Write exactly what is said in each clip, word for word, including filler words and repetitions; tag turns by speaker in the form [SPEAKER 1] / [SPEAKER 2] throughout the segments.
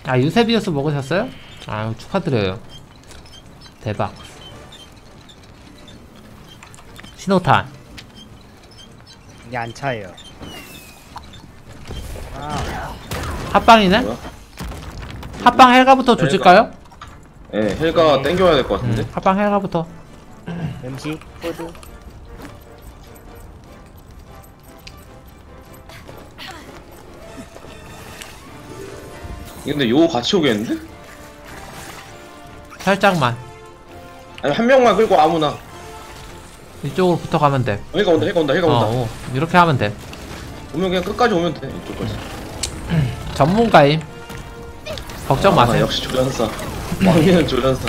[SPEAKER 1] 아, 유세비우스 먹으셨어요? 아유, 축하드려요. 대박. 신호탄.
[SPEAKER 2] 이게 안 차요. 아,
[SPEAKER 1] 합방이네?
[SPEAKER 3] 뭐야?
[SPEAKER 1] 합방 헬가부터 조질까요?
[SPEAKER 3] 예, 네, 헬가
[SPEAKER 2] 네.
[SPEAKER 3] 땡겨야 될 것 같은데.
[SPEAKER 1] 음, 합방 헬가부터.
[SPEAKER 2] 음식, 푸드.
[SPEAKER 3] 근데 요 같이 오겠는데?
[SPEAKER 1] 살짝만.
[SPEAKER 3] 아니 한 명만 끌고 아무나.
[SPEAKER 1] 이쪽으로 붙어가면 돼.
[SPEAKER 3] 헬가 온다, 헬가 온다, 헬가
[SPEAKER 1] 어,
[SPEAKER 3] 온다.
[SPEAKER 1] 어, 이렇게 하면 돼.
[SPEAKER 3] 오면 그냥 끝까지 오면 돼. 이쪽까지.
[SPEAKER 1] 전문가임. 걱정
[SPEAKER 3] 아,
[SPEAKER 1] 마세요.
[SPEAKER 3] 역시 조련사. 왕이는 조련사.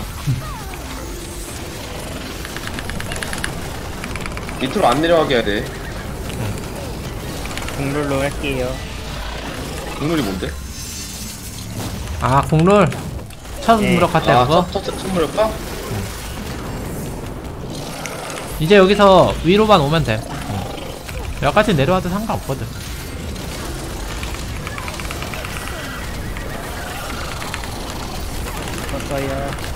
[SPEAKER 3] 밑으로 안 내려가게 해야 돼.
[SPEAKER 2] 국룰로 할게요.
[SPEAKER 3] 국물이 뭔데?
[SPEAKER 1] 아, 국룰. 첫
[SPEAKER 2] 네.
[SPEAKER 1] 무력 할때
[SPEAKER 3] 아,
[SPEAKER 1] 그거.
[SPEAKER 3] 첫, 첫, 첫 무력화?
[SPEAKER 1] 이제 여기서 위로만 오면 돼. 어. 여기까지 내려와도 상관없거든.
[SPEAKER 2] 컸어요.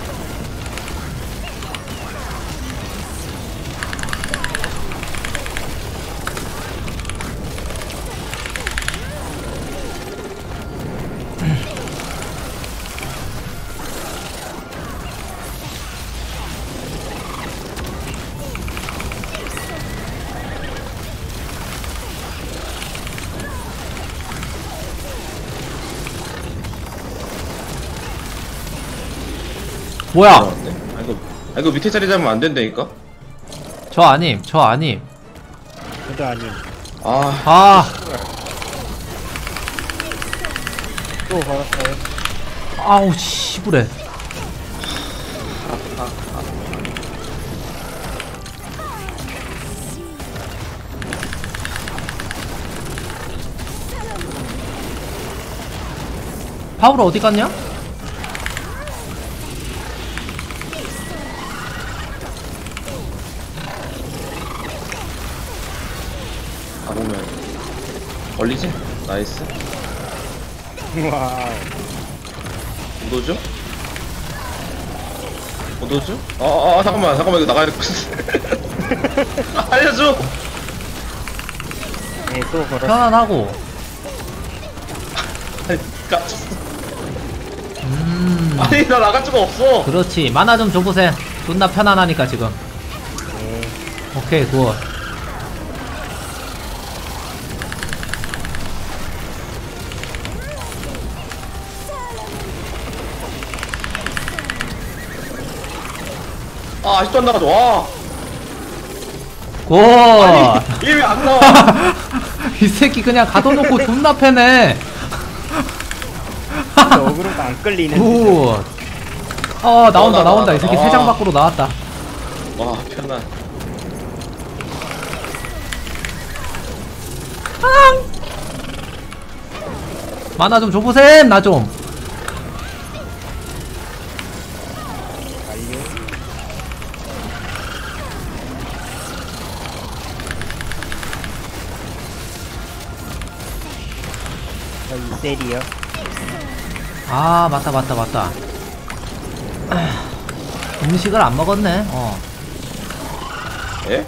[SPEAKER 1] 뭐야?
[SPEAKER 3] 들어갔네. 아, 이거, 아, 이거 밑에 자리 잡으면 안 된다니까?
[SPEAKER 1] 저 아님, 저 아님.
[SPEAKER 2] 저도 아님.
[SPEAKER 3] 아,
[SPEAKER 1] 아,
[SPEAKER 2] 또 걸었어요.
[SPEAKER 1] 아우, 씨부래. 파울 어디 갔냐?
[SPEAKER 3] 아, 보면. 걸리지? 나이스.
[SPEAKER 2] 와우.
[SPEAKER 3] 오도죠? 오도죠? 아, 아, 아, 잠깐만, 잠깐만, 이거 나가야 될 것 같은데. 아, 알려줘!
[SPEAKER 2] 네, 또 걸었어요.
[SPEAKER 1] 편안하고.
[SPEAKER 3] 아니, 깜짝어.
[SPEAKER 1] 음,
[SPEAKER 3] 아니, 나 나갈 수가 없어!
[SPEAKER 1] 그렇지. 만화 좀 줘보세. 존나 편안하니까 지금.
[SPEAKER 2] 네.
[SPEAKER 1] 오케이, 굿.
[SPEAKER 3] 아, 아직도 안 나가죠, 와!
[SPEAKER 1] 굿.
[SPEAKER 3] 아니, 이게 왜 안 나와?
[SPEAKER 1] 이 새끼 그냥 가둬놓고 존나 패네.
[SPEAKER 2] 근데 어그로가 안 끌리는.
[SPEAKER 1] 굿. 어, 나온다,
[SPEAKER 3] 나, 나,
[SPEAKER 1] 나온다.
[SPEAKER 3] 나,
[SPEAKER 1] 이 새끼
[SPEAKER 3] 나.
[SPEAKER 1] 세 장 밖으로 나왔다.
[SPEAKER 3] 와, 편안.
[SPEAKER 1] 만화 좀 줘보셈, 나 좀.
[SPEAKER 2] 완료. 저 이셀이요.
[SPEAKER 1] 아, 맞다, 맞다, 맞다. 아, 음식을 안 먹었네, 어.
[SPEAKER 3] 예?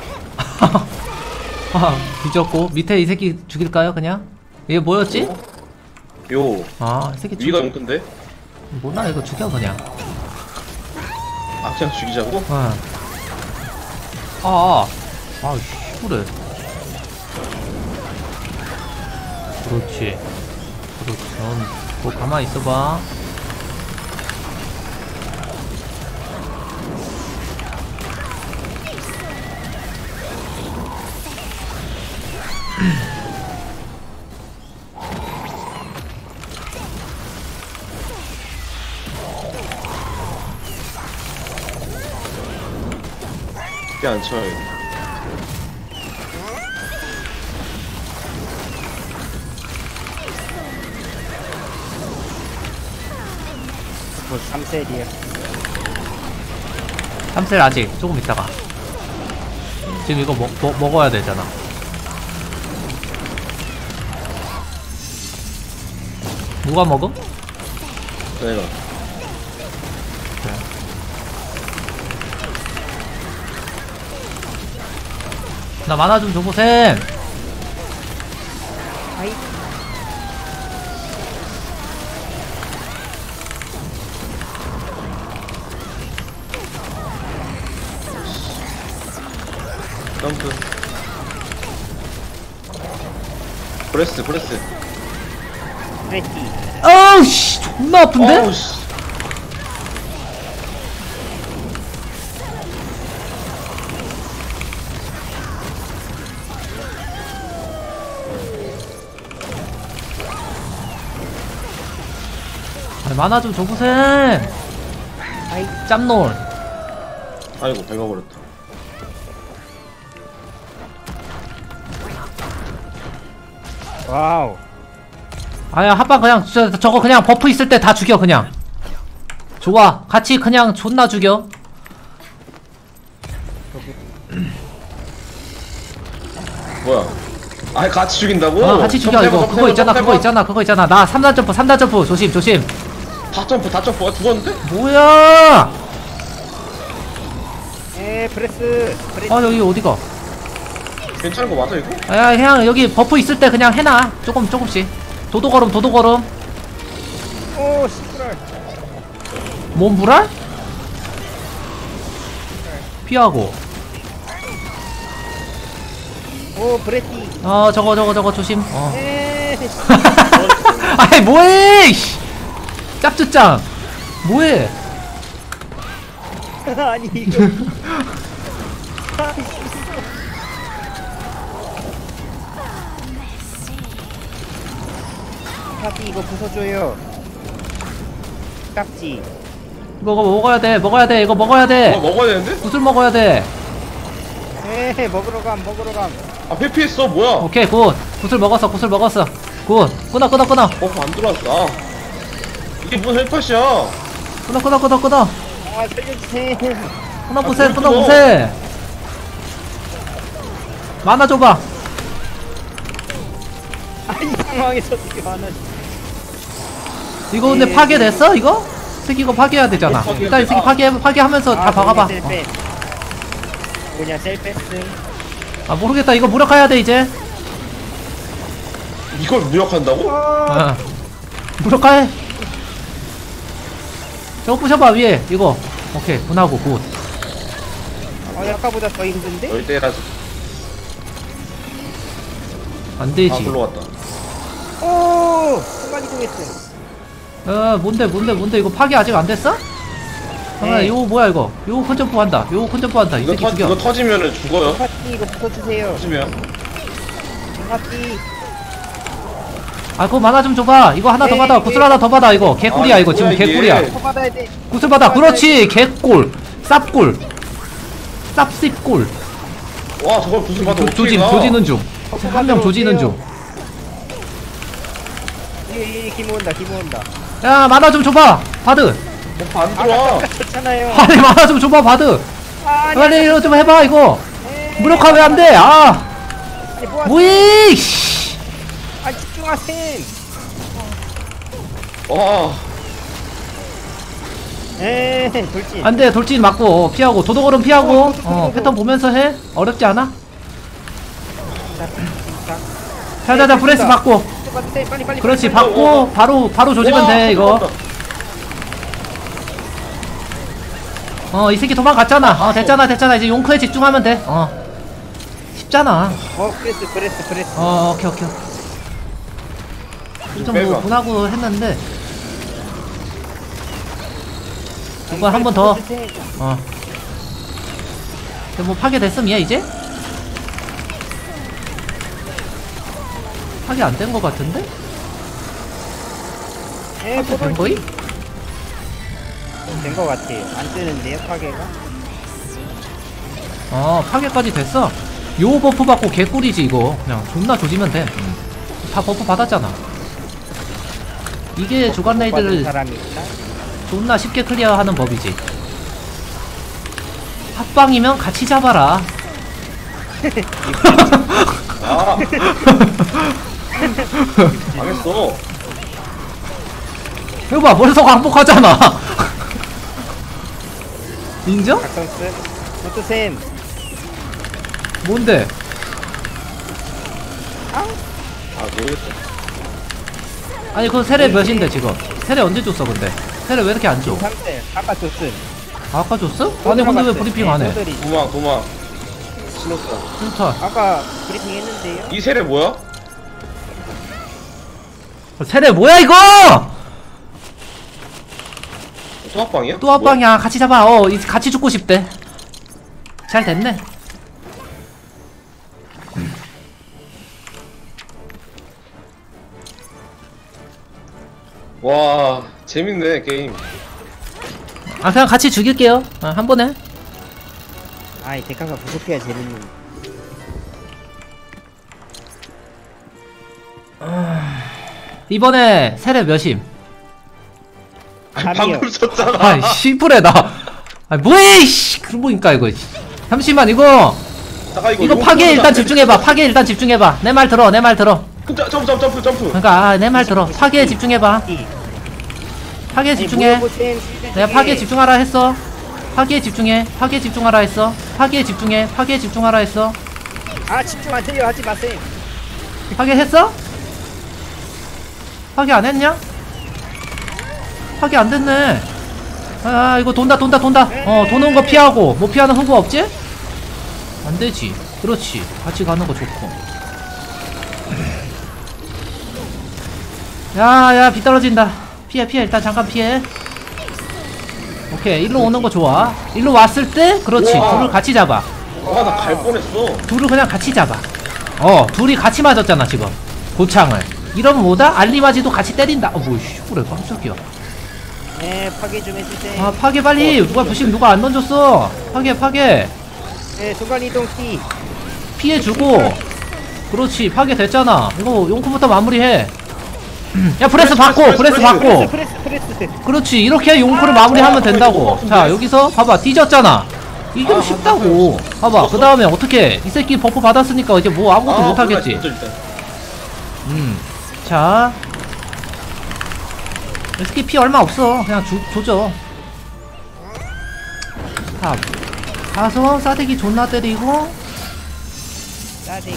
[SPEAKER 1] 아, 뒤졌고. 밑에 이 새끼 죽일까요, 그냥? 이게 뭐였지?
[SPEAKER 3] 요,
[SPEAKER 1] 아, 이 새끼
[SPEAKER 3] 위가
[SPEAKER 1] 죽여.
[SPEAKER 3] 좀 큰데?
[SPEAKER 1] 뭐나, 이거 죽여, 그냥.
[SPEAKER 3] 아, 그냥 죽이자고?
[SPEAKER 1] 응. 아, 아, 아, 씨부래. 그렇지. 그렇지. 넌, 뭐, 가만히 있어봐.
[SPEAKER 3] 쉽게 안 쳐요.
[SPEAKER 2] 곧 삼 셀이요.
[SPEAKER 1] 삼 셀 아직 조금 있다가. 지금 이거 먹, 먹, 먹어야 되잖아. 누가 먹음?
[SPEAKER 3] 버렸어 내가.
[SPEAKER 1] 나 만화 좀 줘보셈.
[SPEAKER 2] 아이.
[SPEAKER 3] 점프. 브레스 브레스.
[SPEAKER 2] 프레티.
[SPEAKER 1] 어우 씨 존나 아픈데?
[SPEAKER 3] 어우 씨.
[SPEAKER 1] 아니, 만화 좀 줘보셈.
[SPEAKER 2] 아이.
[SPEAKER 1] 짬놀.
[SPEAKER 3] 아이고 밟아버렸다.
[SPEAKER 2] 와우.
[SPEAKER 1] 아야 합방 그냥 저, 저거 그냥 버프 있을 때 다 죽여 그냥. 좋아 같이 그냥 존나 죽여.
[SPEAKER 3] 뭐야? 아 같이 죽인다고?
[SPEAKER 1] 어 같이 죽여
[SPEAKER 3] 점프
[SPEAKER 1] 이거
[SPEAKER 3] 해봐,
[SPEAKER 1] 그거
[SPEAKER 3] 점프
[SPEAKER 1] 있잖아
[SPEAKER 3] 해봐,
[SPEAKER 1] 그거
[SPEAKER 3] 점프
[SPEAKER 1] 있잖아 그거 있잖아 나 삼 단 점프 삼 단 점프 조심 조심.
[SPEAKER 3] 다 점프 다 점프. 아, 죽었는데?
[SPEAKER 1] 뭐야?
[SPEAKER 2] 에 프레스. 프레티.
[SPEAKER 1] 아 여기 어디가?
[SPEAKER 3] 괜찮은 거 맞아 이거?
[SPEAKER 1] 야 그냥 여기 버프 있을 때 그냥 해놔 조금 조금씩. 도도걸음 도도걸음.
[SPEAKER 2] 오 시끄러.
[SPEAKER 1] 몸불알? 피하고.
[SPEAKER 2] 오 브레티.
[SPEAKER 1] 어 저거 저거 저거 조심. 어.
[SPEAKER 2] 에.
[SPEAKER 1] 아이 뭐해? 이씨. 짭쭈짱. 뭐해?
[SPEAKER 2] 아니 이거. 파티 이거 부숴줘요. 깍지.
[SPEAKER 1] 이거 먹어야 돼 먹어야 돼 이거 먹어야
[SPEAKER 3] 뭐
[SPEAKER 1] 돼.
[SPEAKER 3] 먹어야 되는데?
[SPEAKER 1] 구슬 먹어야 돼.
[SPEAKER 2] 에 먹으러 감 먹으러 감.
[SPEAKER 3] 아 회피했어 뭐야?
[SPEAKER 1] 오케이 굿. 구슬 먹었어 구슬 먹었어. 굿. 끊어 끊어 끊어.
[SPEAKER 3] 버프 안 들어왔어. 아. 이게 무슨 헬팟이야?
[SPEAKER 1] 끊어 끊어 끊어 끊어.
[SPEAKER 2] 아 살려주세요.
[SPEAKER 1] 끊어 보세
[SPEAKER 3] 뭘
[SPEAKER 1] 끊어
[SPEAKER 3] 끊어?
[SPEAKER 1] 보세. 만화 줘봐.
[SPEAKER 2] 아이 상황에서 어떻게 하나.
[SPEAKER 1] 이거 근데
[SPEAKER 2] 예.
[SPEAKER 1] 파괴됐어 이거? 새끼 이거 파괴해야 되잖아.
[SPEAKER 3] 어, 파괴.
[SPEAKER 1] 일단 이 새끼
[SPEAKER 3] 아.
[SPEAKER 1] 파괴 파괴하면서 다 박아봐.
[SPEAKER 2] 셀 패스. 뭐냐 셀 패스.
[SPEAKER 1] 아 모르겠다 이거 무력화해야 돼 이제.
[SPEAKER 3] 이걸 무력한다고?
[SPEAKER 1] 어. 무력화해. 저거 부셔봐 위에 이거. 오케이 분하고 굿.
[SPEAKER 2] 아 아까보다 더 힘든데?
[SPEAKER 3] 열대라서.
[SPEAKER 1] 안
[SPEAKER 3] 아
[SPEAKER 1] 되지.
[SPEAKER 3] 불러왔다.
[SPEAKER 2] 오 순간 이동했어.
[SPEAKER 1] 어 뭔데 뭔데 뭔데 이거 파괴 아직 안 됐어? 아
[SPEAKER 2] 네.
[SPEAKER 1] 요거 뭐야 이거? 요거 컨점프 한다. 요거 컨점프 한다. 이
[SPEAKER 3] 이거
[SPEAKER 1] 새끼
[SPEAKER 3] 터
[SPEAKER 1] 죽여.
[SPEAKER 3] 이거 터지면은 죽어요.
[SPEAKER 2] 파티 이거 부숴주세요.
[SPEAKER 3] 터지면.
[SPEAKER 2] 파티.
[SPEAKER 1] 아 그거 만화 좀 줘봐. 이거 하나 더
[SPEAKER 2] 에이,
[SPEAKER 1] 받아. 구슬 하나 더 받아 이거. 개꿀이야
[SPEAKER 3] 아,
[SPEAKER 1] 이거 지금
[SPEAKER 3] 뭐야, 이게.
[SPEAKER 1] 개꿀이야.
[SPEAKER 2] 더 받아야 돼.
[SPEAKER 1] 구슬 받아. 그렇지 개꿀. 쌉꿀. 쌉씹꿀.
[SPEAKER 3] 와 저걸 무슨 받아
[SPEAKER 1] 조,
[SPEAKER 3] 어떻게
[SPEAKER 1] 조진
[SPEAKER 3] 가?
[SPEAKER 1] 조지는 중.
[SPEAKER 2] 어,
[SPEAKER 1] 한 명 조지는 중.
[SPEAKER 2] 이이 기모 온다 기모 온다.
[SPEAKER 1] 야 만화 좀 줘봐. 바드.
[SPEAKER 3] 버프 안 들어와.
[SPEAKER 2] 좋잖아요.
[SPEAKER 1] 아니 만화 좀 줘봐 바드.
[SPEAKER 2] 아니
[SPEAKER 1] 빨리 이거 좀 해봐 이거.
[SPEAKER 2] 에이,
[SPEAKER 1] 무력화 왜 안 돼? 아
[SPEAKER 2] 아니 뭐
[SPEAKER 1] 뭐해? 씨.
[SPEAKER 2] 아 집중하셈.
[SPEAKER 3] 와.
[SPEAKER 2] 에이 돌진.
[SPEAKER 1] 안 돼. 돌진 맞고 피하고 도도걸음 피하고. 어 패턴 보면서 해. 어렵지 않아?
[SPEAKER 2] 자, 자,
[SPEAKER 1] 자자자 브레스 받고.
[SPEAKER 2] 받으세요. 빨리 빨리.
[SPEAKER 1] 그렇지
[SPEAKER 2] 빨리, 빨리.
[SPEAKER 1] 받고 바로 바로 조지면
[SPEAKER 3] 와,
[SPEAKER 1] 돼 이거.
[SPEAKER 3] 잠깐만.
[SPEAKER 1] 어 이 새끼 도망갔잖아. 어 됐잖아 됐잖아 이제 용크에 집중하면 돼. 어 쉽잖아.
[SPEAKER 2] 어 프레스 프레스 프레스.
[SPEAKER 1] 어 오케이 오케이. 좀 뭐
[SPEAKER 3] 빼봐.
[SPEAKER 1] 분하고 했는데 이번 한 번 더. 어. 근데 뭐 파괴됐음 얘 이제? 파괴 안 된 거 같은데?
[SPEAKER 2] 에
[SPEAKER 1] 파괴 된 거이?
[SPEAKER 2] 된거 같아요. 안 뜨는데요 파괴가?
[SPEAKER 1] 어 파괴까지 됐어. 요 버프 받고 개꿀이지 이거. 그냥 존나 조지면 돼. 음. 다 버프 받았잖아. 이게 주간
[SPEAKER 2] 받은
[SPEAKER 1] 레이드를
[SPEAKER 2] 사람이 있나?
[SPEAKER 1] 존나 쉽게 클리어하는 법이지. 합방이면 같이 잡아라.
[SPEAKER 3] 아. 망했어.
[SPEAKER 1] 이거 봐, 벌써 광복하잖아. 인정?
[SPEAKER 2] 각성스 노트쌤
[SPEAKER 1] 뭔데?
[SPEAKER 3] 아 모르겠어.
[SPEAKER 1] 아니 그 세례 몇인데 지금? 세례 언제 줬어 근데? 세례 왜 이렇게 안 줘?
[SPEAKER 2] 상대 아까 줬음
[SPEAKER 1] 아, 아까 줬어? 아니 근데 왜 브리핑 안 해?
[SPEAKER 2] 네,
[SPEAKER 3] 도망 도망. 신었어.
[SPEAKER 1] 진짜
[SPEAKER 2] 아까 브리핑 했는데요?
[SPEAKER 3] 이 세례 뭐야?
[SPEAKER 1] 세례 뭐야 이거?
[SPEAKER 3] 또 합방이야?
[SPEAKER 1] 또 합방이야. 같이 잡아. 어, 이- 같이 죽고 싶대. 잘 됐네.
[SPEAKER 3] 와 재밌네 게임.
[SPEAKER 1] 아 그냥 같이 죽일게요. 아, 한 번에.
[SPEAKER 2] 아이 대가가 부족해야 재밌는
[SPEAKER 1] 이번에 세례 몇임?
[SPEAKER 3] 아니,
[SPEAKER 2] 아니요.
[SPEAKER 3] 방금 쳤잖아.
[SPEAKER 1] 아이 씨부레 나. 아 뭐해 이씨. 그러니까 이거. 잠시만 이거.
[SPEAKER 3] 잠깐 이거
[SPEAKER 1] 이거
[SPEAKER 3] 용품
[SPEAKER 1] 파괴 일단
[SPEAKER 3] 안
[SPEAKER 1] 집중해봐.
[SPEAKER 3] 돼.
[SPEAKER 1] 파괴 일단 집중해봐. 내 말 들어. 내 말 들어.
[SPEAKER 3] 점프 점프 점프 점프 점프.
[SPEAKER 1] 그러니까 아, 내 말 들어. 파괴에 집중해봐. 파괴에 집중해. 내가 파괴에 집중하라 했어. 파괴에 집중해. 파괴에 집중하라 했어. 파괴에 집중해. 파괴에 집중하라 했어.
[SPEAKER 2] 아 집중 안 돼요 하지 마세요
[SPEAKER 1] 파괴 했어? 파괴 안 했냐? 파괴 안 됐네. 아 이거 돈다 돈다 돈다. 어 도는 거 피하고 뭐 피하는 후보 없지? 안 되지. 그렇지. 같이 가는 거 좋고. 야야 비 떨어진다. 피해 피해 일단 잠깐 피해. 오케이 일로 오는 거 좋아. 일로 왔을 때 그렇지.
[SPEAKER 3] 우와.
[SPEAKER 1] 둘을 같이 잡아.
[SPEAKER 3] 아나 갈 뻔했어.
[SPEAKER 1] 둘을 그냥 같이 잡아. 어 둘이 같이 맞았잖아 지금 고창을. 이러면 뭐다? 알리바지도 같이 때린다. 어 뭐씨 그래 깜짝이야.
[SPEAKER 2] 네 파괴 좀 해주세요
[SPEAKER 1] 아 파괴 빨리. 누가 부심 누가 안 던졌어. 파괴 파괴
[SPEAKER 2] 네 순간이동 키
[SPEAKER 1] 피해주고. 그렇지 파괴 됐잖아. 이거 용쿠부터 마무리해. 야 프레스 받고 프레스 받고.
[SPEAKER 2] 프레스 프레스 프레스
[SPEAKER 1] 그렇지 이렇게 용쿠를 마무리하면 된다고. 자 여기서 봐봐 뒤졌잖아. 이게 뭐 쉽다고. 봐봐 그 다음에 어떻게 이 새끼 버프 받았으니까 이제 뭐 아무것도
[SPEAKER 3] 아,
[SPEAKER 1] 못하겠지.
[SPEAKER 3] 몰라, 진짜 일단.
[SPEAKER 1] 음. 자. 이 새끼 피 얼마 없어. 그냥 주, 조져. 탑. 가서 싸대기 존나 때리고.
[SPEAKER 2] 따디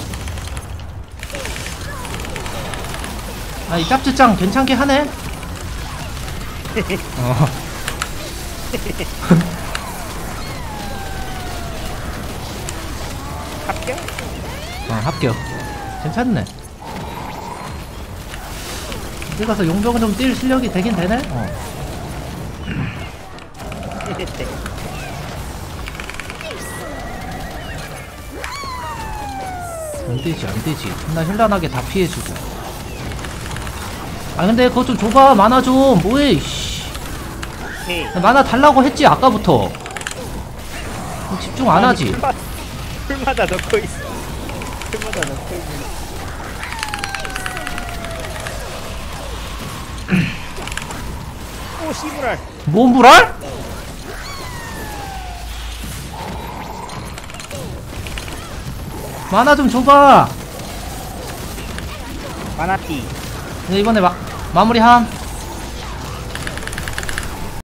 [SPEAKER 1] 아, 이 짭쯔짱 괜찮게 하네. 어.
[SPEAKER 2] 합격?
[SPEAKER 1] 어, 합격. 괜찮네. 어디 가서 용병을 좀 뛸 실력이 되긴 되네? 어.
[SPEAKER 2] 네.
[SPEAKER 1] 안 되지, 안 되지. 존나 현란하게 다 피해주고. 아, 근데 그거 좀 줘봐. 만화 좀. 뭐해, 이씨.
[SPEAKER 2] 오케이
[SPEAKER 1] 만화 달라고 했지, 아까부터. 집중 안 하지.
[SPEAKER 2] 풀마, 풀마다 넣고 있어 풀마다 넣고 있는 오 씨부랄
[SPEAKER 1] 몸불알? 만화 좀 줘봐.
[SPEAKER 2] 마나티
[SPEAKER 1] 네, 이번에 마, 마무리함.